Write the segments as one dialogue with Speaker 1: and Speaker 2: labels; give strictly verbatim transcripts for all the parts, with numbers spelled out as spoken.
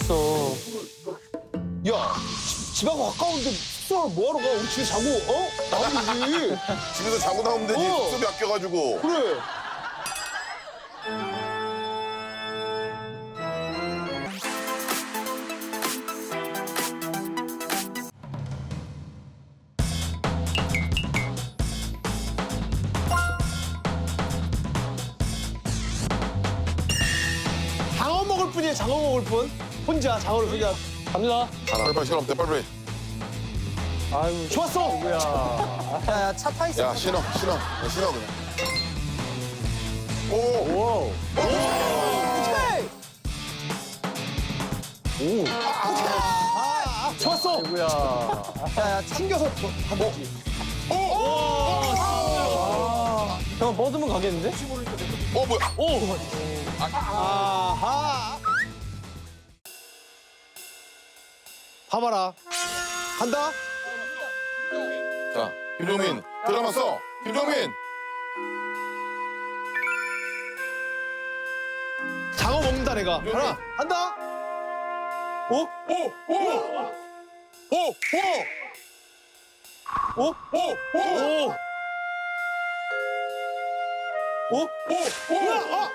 Speaker 1: 있어.
Speaker 2: 야, 집, 집하고 가까운데 숙소를 뭐하러 가? 우리 집에 자고, 어? 나오면 되지.
Speaker 3: 집에서 자고 나오면 되지.
Speaker 2: 어.
Speaker 3: 숙소비 아껴가지고.
Speaker 2: 그래. 장어 먹을 뿐이야, 장어 먹을 뿐. 혼자 장어를 혼자.
Speaker 1: 갑니다.
Speaker 3: 빨리빨리 시간 없대, 빨리빨리.
Speaker 1: 아유,
Speaker 2: 좋았어.
Speaker 1: 뭐야.
Speaker 4: 야, 차 타 있어.
Speaker 3: 야, 신어, 신어. 야, 신어, 그냥. 오!
Speaker 1: 오.
Speaker 2: 좋았어.
Speaker 1: 뭐야.
Speaker 2: 야, 야, 챙겨서 한 거지.
Speaker 1: 형, 뻗으면 가겠는데?
Speaker 3: 어, 뭐야?
Speaker 1: 오.
Speaker 2: 아하. 봐봐라. 간다.
Speaker 3: 자, 김종민. 드라마 써. 김종민.
Speaker 2: 장어 먹는다, 내가. 하나, 간다. 오?
Speaker 3: 오! 오! 오! 오!
Speaker 2: 오?
Speaker 3: 오! 오!
Speaker 2: 오?
Speaker 3: 오! 오!
Speaker 2: 아!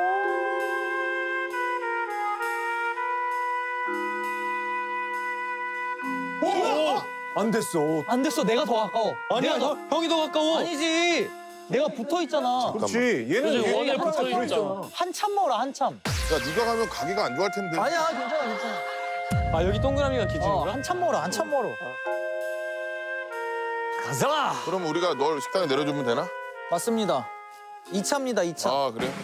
Speaker 3: 오!
Speaker 1: 안 됐어.
Speaker 4: 안 됐어, 내가 더 가까워.
Speaker 1: 아니야,
Speaker 4: 내가 더...
Speaker 1: 형, 형이 더 가까워.
Speaker 4: 아니지. 내가 붙어 있잖아.
Speaker 1: 그렇지. 얘는
Speaker 5: 그치,
Speaker 1: 얘는
Speaker 5: 원에
Speaker 1: 하나가
Speaker 5: 붙어 있잖아.
Speaker 1: 들어있잖아.
Speaker 4: 한참 멀어, 한참.
Speaker 3: 야, 네가 가면 가기가 안 좋아할 텐데.
Speaker 4: 아니야, 괜찮아, 괜찮아.
Speaker 1: 아, 여기 동그라미가
Speaker 4: 어,
Speaker 1: 기준인가?
Speaker 4: 한참 멀어, 한참 멀어.
Speaker 1: 가자.
Speaker 3: 그럼 우리가 널 식당에 내려주면 되나?
Speaker 4: 맞습니다. 이 차입니다, 이 차.
Speaker 3: 아, 그래?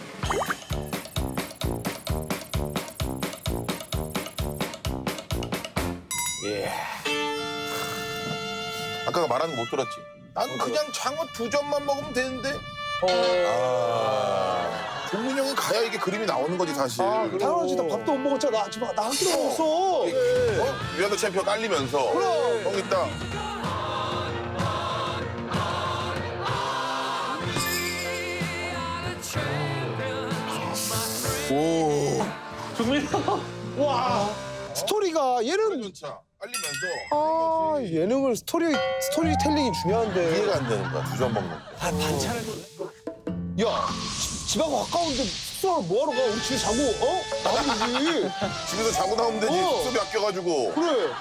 Speaker 1: 예.
Speaker 3: 아까 말한 거 못 들었지? 난 그냥 장어 두 점만 먹으면 되는데.
Speaker 1: 어.
Speaker 3: 아. 종민 형이 가야 이게 그림이 나오는 거지, 사실.
Speaker 2: 아, 당연하지. 나 밥도 못 먹었잖아. 나 지금 나 한 끼도 먹었어.
Speaker 3: 어? 위안더 챔피언 깔리면서.
Speaker 2: 그럼.
Speaker 3: 형 있다. 오.
Speaker 1: 종민 형.
Speaker 2: 와. 스토리가 얘는
Speaker 3: 연차 깔리면서.
Speaker 2: 아, 예능을 스토리 스토리텔링이 중요한데.
Speaker 3: 이해가 안 되는 거야, 두 점 먹는 거.
Speaker 2: 아, 반찬을. 야, 집, 집하고 가까운데 숙소를 뭐하러 가? 우리 집에 자고, 어? 나오면 되지.
Speaker 3: 집에서 자고 나오면 되지.
Speaker 2: 어.
Speaker 3: 숙소비 아껴가지고.
Speaker 2: 그래.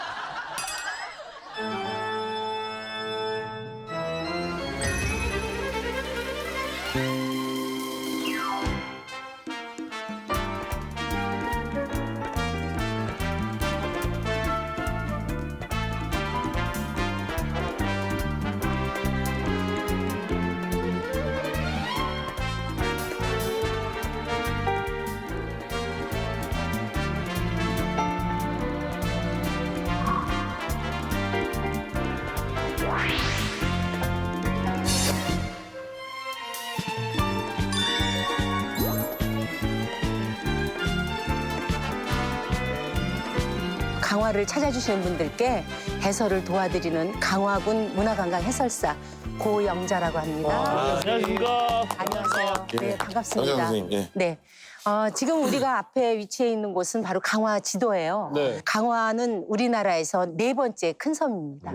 Speaker 6: 강화를 찾아주시는 분들께 해설을 도와드리는 강화군 문화관광 해설사 고영자라고 합니다.
Speaker 5: 안녕하십니까.
Speaker 6: 안녕하세요. 네, 반갑습니다.
Speaker 3: 안녕하세요, 선생님. 예.
Speaker 6: 네. 어, 지금 우리가 앞에 위치해 있는 곳은 바로 강화 지도예요.
Speaker 1: 네.
Speaker 6: 강화는 우리나라에서 네 번째 큰 섬입니다.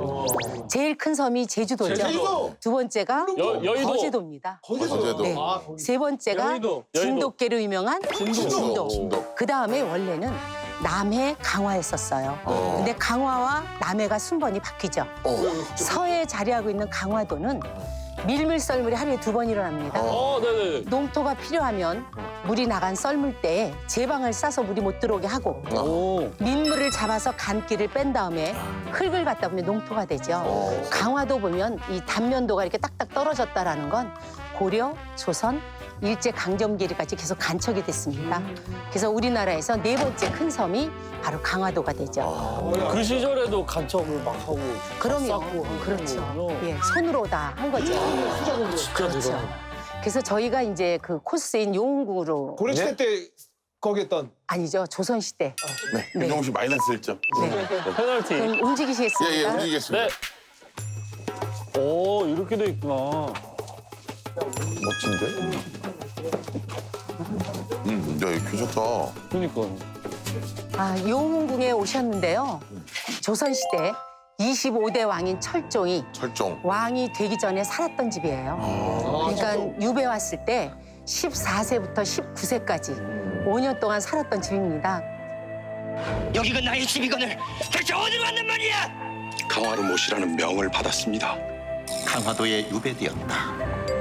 Speaker 6: 제일 큰 섬이 제주도죠.
Speaker 2: 제주도!
Speaker 6: 두 번째가
Speaker 5: 여- 여의도.
Speaker 6: 거제도입니다.
Speaker 3: 거제도.
Speaker 6: 네.
Speaker 2: 아, 거기.
Speaker 6: 세 번째가
Speaker 1: 여의도.
Speaker 6: 진돗개로 유명한 진도.
Speaker 3: 진도. 진도.
Speaker 6: 그 다음에 원래는 남해 강화였었어요.
Speaker 3: 어.
Speaker 6: 근데 강화와 남해가 순번이 바뀌죠.
Speaker 3: 어.
Speaker 6: 서해에 자리하고 있는 강화도는 밀물 썰물이 하루에 두 번 일어납니다.
Speaker 5: 어, 네네.
Speaker 6: 농토가 필요하면 물이 나간 썰물 때에 제방을 싸서 물이 못 들어오게 하고
Speaker 1: 오.
Speaker 6: 민물을 잡아서 간기를 뺀 다음에 흙을 갖다 보면 농토가 되죠. 강화도 보면 이 단면도가 이렇게 딱딱 떨어졌다라는 건 고려, 조선, 일제 강점기까지 계속 간척이 됐습니다. 그래서 우리나라에서 네 번째 큰 섬이 바로 강화도가 되죠.
Speaker 5: 그 시절에도 간척을 막 하고.
Speaker 6: 그럼요.
Speaker 5: 쌓고 하고
Speaker 6: 그렇죠.
Speaker 5: 그러는군요.
Speaker 6: 예, 손으로 다 한 거죠.
Speaker 5: 진짜
Speaker 6: 그렇죠.
Speaker 5: 대단하다.
Speaker 6: 그래서 저희가 이제 그 코스인 용궁으로
Speaker 2: 고려시대 때 거기 했던.
Speaker 6: 아니죠. 조선시대.
Speaker 3: 네.
Speaker 6: 네.
Speaker 3: 김종민 씨 마이너스 일 점.
Speaker 6: 네.
Speaker 5: 페널티.
Speaker 6: 그럼 움직이시겠습니까?
Speaker 3: 예, 예, 움직이겠습니다.
Speaker 5: 네. 오, 이렇게 돼 있구나.
Speaker 3: 멋진데? 음, 야, 이거 괜찮다.
Speaker 5: 그러니까.
Speaker 6: 아, 용궁에 오셨는데요. 조선시대 이십오 대 왕인 철종이
Speaker 3: 철종.
Speaker 6: 왕이 되기 전에 살았던 집이에요. 그러니까 유배 왔을 때 십사 세부터 십구 세까지 오 년 동안 살았던 집입니다.
Speaker 7: 여기가 나의 집이거늘 대체 어디로 왔단 말이야?
Speaker 8: 강화로 모시라는 명을 받았습니다. 강화도에 유배되었다.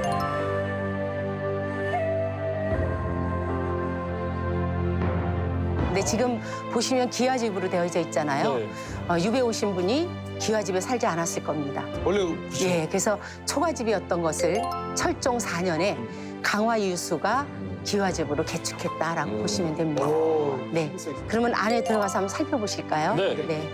Speaker 6: 근데 지금 보시면 기와집으로 되어져 있잖아요.
Speaker 1: 네.
Speaker 6: 어, 유배 오신 분이 기와집에 살지 않았을 겁니다.
Speaker 2: 원래 그렇죠.
Speaker 6: 예, 그래서 초가집이었던 것을 철종 사 년에 강화 유수가 기와집으로 개축했다라고
Speaker 1: 음.
Speaker 6: 보시면 됩니다.
Speaker 2: 오.
Speaker 6: 네, 그러면 안에 들어가서 한번 살펴보실까요?
Speaker 1: 네.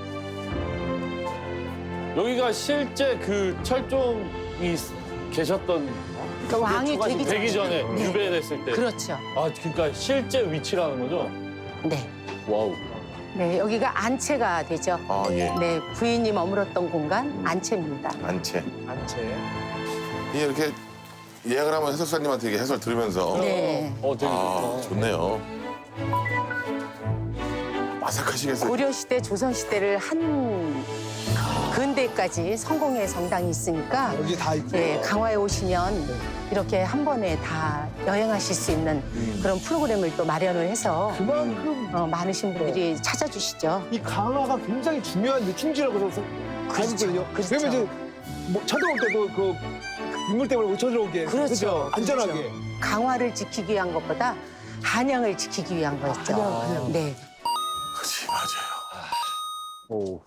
Speaker 1: 여기가 실제 그 철종이 계셨던
Speaker 6: 그 왕이 되기,
Speaker 1: 되기 전에
Speaker 6: 네.
Speaker 1: 유배됐을 때.
Speaker 6: 그렇죠.
Speaker 1: 아, 그러니까 실제 위치라는 거죠?
Speaker 6: 네.
Speaker 1: 와우.
Speaker 6: 네, 여기가 안채가 되죠.
Speaker 3: 아 예.
Speaker 6: 네, 부인이 머물렀던 공간 안채입니다.
Speaker 3: 안채.
Speaker 2: 안채.
Speaker 3: 이 이렇게 예약을 하면 해설사님한테 이렇게 해설 들으면서.
Speaker 6: 네.
Speaker 1: 어, 되게
Speaker 3: 아
Speaker 1: 좋다.
Speaker 3: 좋네요. 아삭하시겠어요.
Speaker 6: 고려시대, 조선시대를 한 근대까지 성공의 성당이 있으니까
Speaker 2: 여기 다 있고.
Speaker 6: 예, 강화에 오시면 이렇게 한 번에 다 여행하실 수 있는 그런 프로그램을 또 마련을 해서
Speaker 2: 그만큼
Speaker 6: 어, 많으신 분들이 찾아주시죠.
Speaker 2: 이 강화가 굉장히 중요한 느낌지라고 저는 알거든요.
Speaker 6: 그렇죠.
Speaker 2: 왜냐면 이제 뭐 쳐들어올 때도 그 인물 때문에 못 쳐들어오게.
Speaker 6: 그렇죠.
Speaker 2: 그죠? 안전하게.
Speaker 6: 그렇죠. 강화를 지키기 위한 것보다 한양을 지키기 위한 거였죠.
Speaker 2: 한양, 한양.
Speaker 6: 네.
Speaker 3: 그렇지 맞아요.
Speaker 1: 오.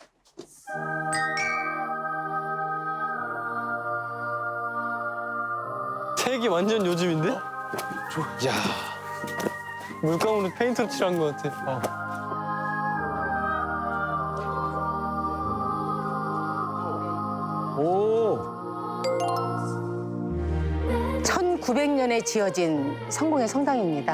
Speaker 1: 색이 완전 요즘인데? 야. 물감으로 페인트로 칠한 것 같아. 오.
Speaker 6: 천구백 년에 지어진 성공의 성당입니다.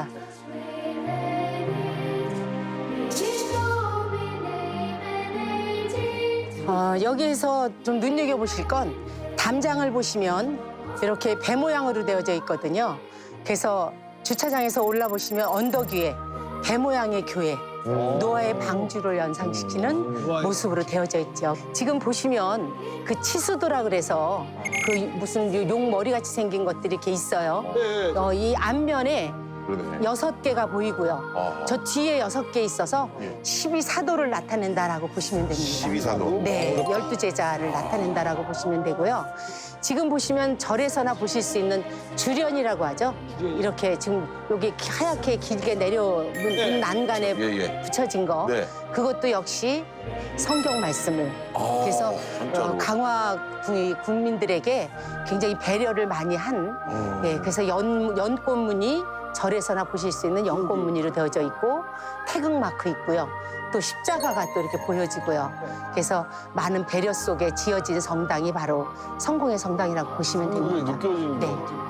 Speaker 6: 어, 여기에서 좀 눈여겨보실 건 담장을 보시면 이렇게 배 모양으로 되어져 있거든요. 그래서 주차장에서 올라보시면 언덕 위에 배 모양의 교회, 노아의 방주를 연상시키는
Speaker 2: 우와.
Speaker 6: 모습으로 되어져 있죠. 지금 보시면 그 치수도라 그래서 그 무슨 용 머리 같이 생긴 것들이 이렇게 있어요.
Speaker 2: 네.
Speaker 6: 어, 이 앞면에
Speaker 3: 그러네.
Speaker 6: 여섯 개가 보이고요.
Speaker 3: 아,
Speaker 6: 저 뒤에 여섯 개 있어서
Speaker 3: 예.
Speaker 6: 십이 사도를 나타낸다라고 보시면 됩니다.
Speaker 3: 십이사도.
Speaker 6: 네, 열두 제자를 나타낸다라고 보시면 되고요. 지금 보시면 절에서나 보실 수 있는 주련이라고 하죠. 이렇게 지금 여기 하얗게 길게 내려온
Speaker 2: 네.
Speaker 6: 난간에
Speaker 3: 예예.
Speaker 6: 붙여진 거.
Speaker 3: 네.
Speaker 6: 그것도 역시 성경 말씀을.
Speaker 3: 아,
Speaker 6: 그래서
Speaker 3: 한자로.
Speaker 6: 어, 강화 구- 국민들에게 굉장히 배려를 많이 한.
Speaker 3: 음.
Speaker 6: 예, 그래서 연, 연꽃무늬 절에서나 보실 수 있는 연꽃무늬로 되어져 있고 태극마크 있고요. 또 십자가가 또 이렇게 보여지고요. 그래서 많은 배려 속에 지어진 성당이 바로 성공의 성당이라고 보시면
Speaker 1: 그게
Speaker 6: 됩니다.
Speaker 1: 느껴지는
Speaker 6: 네.
Speaker 1: 것 같아.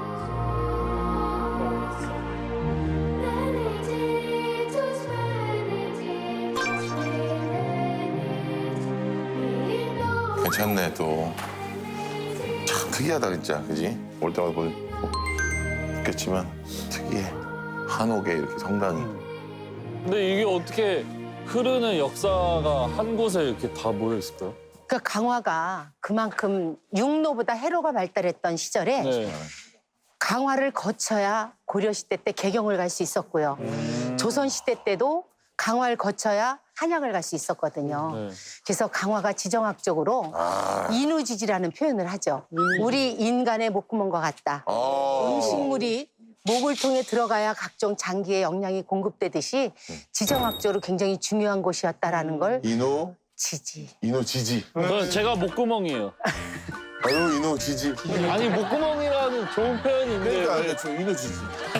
Speaker 3: 괜찮네 또. 참 특이하다 진짜, 그지? 올 때마다 보겠지만 특이해. 한옥에 이렇게 성당이.
Speaker 1: 근데 이게 어떻게 흐르는 역사가 한 곳에 이렇게 다 모여 있을까요?
Speaker 6: 그 강화가 그만큼 육로보다 해로가 발달했던 시절에
Speaker 1: 네.
Speaker 6: 강화를 거쳐야 고려시대 때 개경을 갈 수 있었고요.
Speaker 1: 음.
Speaker 6: 조선시대 때도 강화를 거쳐야 한양을 갈 수 있었거든요.
Speaker 1: 네.
Speaker 6: 그래서 강화가 지정학적으로
Speaker 3: 아.
Speaker 6: 인우지지라는 표현을 하죠. 우리 인간의 목구멍과 같다.
Speaker 3: 어.
Speaker 6: 음식물이 목을 통해 들어가야 각종 장기의 영양이 공급되듯이 지정학적으로 굉장히 중요한 곳이었다라는 걸
Speaker 3: 인호,
Speaker 6: 지지.
Speaker 3: 인호 지지.
Speaker 1: 저는 제가 목구멍이에요.
Speaker 3: 아유 인호 지지.
Speaker 1: 아니 목구멍이라는 좋은 표현인데
Speaker 3: 그러니까
Speaker 1: 왜-
Speaker 3: 아니, 저 인호 지지.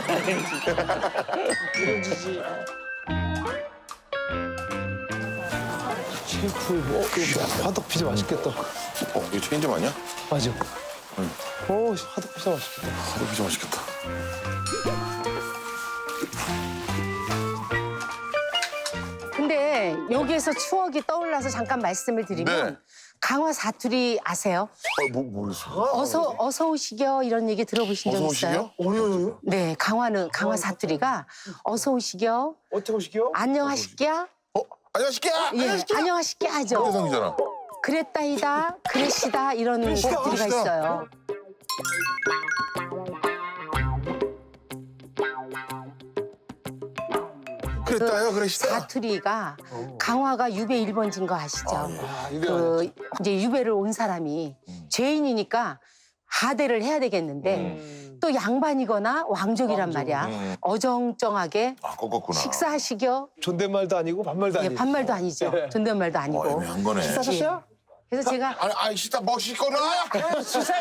Speaker 2: 셰프, 어, 이거 화덕 피자 맛있겠다.
Speaker 3: 어 이거 체인점 아니야?
Speaker 2: 맞아. 오, 화덕 피자 맛있겠다.
Speaker 3: 아, 이거 진짜 맛있겠다.
Speaker 6: 근데 여기에서 추억이 떠올라서 잠깐 말씀을 드리면
Speaker 3: 네.
Speaker 6: 강화 사투리 아세요?
Speaker 3: 아, 뭐 뭐였어?
Speaker 6: 어서 어서 오시겨 이런 얘기 들어보신 적
Speaker 3: 어서
Speaker 6: 있어요?
Speaker 3: 오시게요?
Speaker 2: 어려요?
Speaker 6: 네, 강화는 강화 사투리가 어서 오시겨,
Speaker 2: 어떻게 오시게요?
Speaker 6: 안녕하시겨,
Speaker 3: 안녕하십니까?
Speaker 6: 예, 안녕하십니까 하죠.
Speaker 3: 대성이잖아.
Speaker 6: 그랬다이다, 그랬시다 이런
Speaker 2: 그랬시다,
Speaker 6: 곡들이
Speaker 2: 그랬시다.
Speaker 6: 있어요.
Speaker 3: 그랬다요, 그랬시다.
Speaker 6: 사투리가 강화가 유배 일 번지인 거 아시죠?
Speaker 2: 아, 이게
Speaker 6: 그 이제 유배를 온 사람이 죄인이니까 하대를 해야 되겠는데 또 양반이거나 왕족이란 말이야.
Speaker 3: 음.
Speaker 6: 어정쩡하게
Speaker 3: 아, 꺾었구나.
Speaker 6: 식사하시겨.
Speaker 2: 존댓말도 아니고 반말도
Speaker 6: 예,
Speaker 2: 아니고.
Speaker 6: 반말도 아니죠. 존댓말도 아니고.
Speaker 3: 어, 애매한 거네.
Speaker 2: 식사하셨어요?
Speaker 6: 그래서 제가
Speaker 3: 아니, 아이, 시다 멋있거나. 맛있게.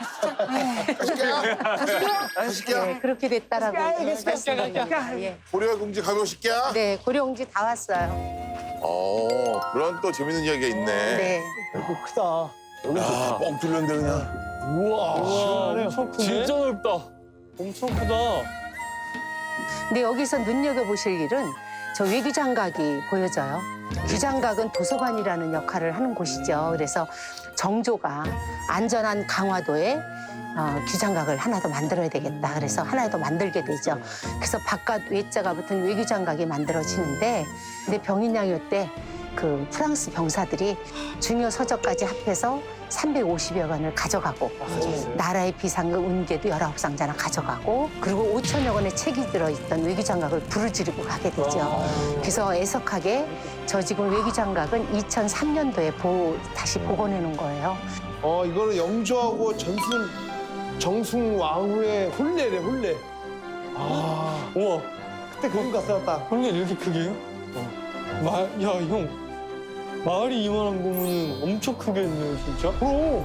Speaker 3: 맛있게.
Speaker 6: 네, 그렇게 됐다라고 말씀드립니다. 예.
Speaker 3: 고려공지 가벼우실게.
Speaker 6: 네, 고려옹지 다 왔어요.
Speaker 3: 어, 그런 또 재밌는 이야기가 있네.
Speaker 6: 네.
Speaker 2: 이거 크다. 여기
Speaker 3: 야,
Speaker 2: 좋다.
Speaker 3: 뻥 뚫렸는데 그냥.
Speaker 1: 우와,
Speaker 2: 시원하네요.
Speaker 1: 엄청 크네. 진짜 넓다. 엄청 크다.
Speaker 6: 근데 여기서 눈여겨보실 일은 저 외규장각이 보여져요. 규장각은 도서관이라는 역할을 하는 곳이죠. 그래서 정조가 안전한 강화도에 어, 규장각을 하나 더 만들어야 되겠다. 그래서 하나 더 만들게 되죠. 그래서 바깥 외자가 붙은 외규장각이 만들어지는데 근데 병인양요 때 그 프랑스 병사들이 중요 서적까지 합해서 삼백오십여 권을 가져가고 나라의 비상금 은계도 열아홉 상자나 가져가고 그리고 오천여 권의 책이 들어있던 외규장각을 부르지르고 가게 되죠. 그래서 애석하게 저 지금 외규장각은 이천삼 년도에 보, 다시 복원해 놓은 거예요.
Speaker 2: 어, 이거는 영조하고 전순, 정승 왕후의 혼례래, 혼례. 아,
Speaker 5: 우와,
Speaker 2: 그때 그림 갔다 왔다.
Speaker 5: 혼례 이렇게 크게요? 마, 야, 형. 마을이 이만한 거면 엄청 크겠네요, 진짜.
Speaker 2: 그럼.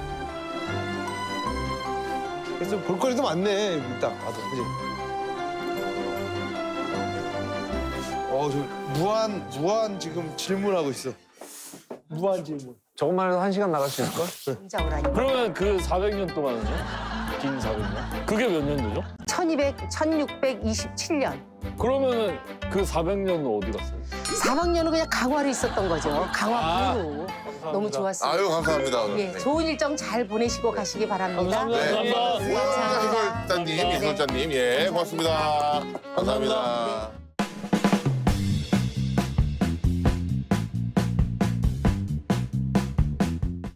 Speaker 2: 그래서 볼거리도 많네, 여기 딱 봐도, 그지? 어, 저 무한, 무한 지금 질문하고 있어. 무한 질문.
Speaker 9: 저것만 해도 한 시간 나갈 수 있을걸?
Speaker 6: 혼자 오라니.
Speaker 1: 그러면 그 사백 년 동안은요? 긴 사백 년? 그게 몇 년도죠?
Speaker 6: 천이백, 천육백이십칠 년.
Speaker 1: 그러면은 그 사백 년은 어디 갔어요?
Speaker 6: 사백 년은 그냥 강화로 있었던 거죠. 강화 부로. 너무 좋았어요.
Speaker 3: 아유, 감사합니다. 오늘.
Speaker 6: 예, 좋은 일정 잘 보내시고 가시기 바랍니다.
Speaker 1: 감사합니다.
Speaker 3: 네.
Speaker 1: 감사합니다.
Speaker 3: 해설자님, 해설자님, 예, 고맙습니다. 감사합니다.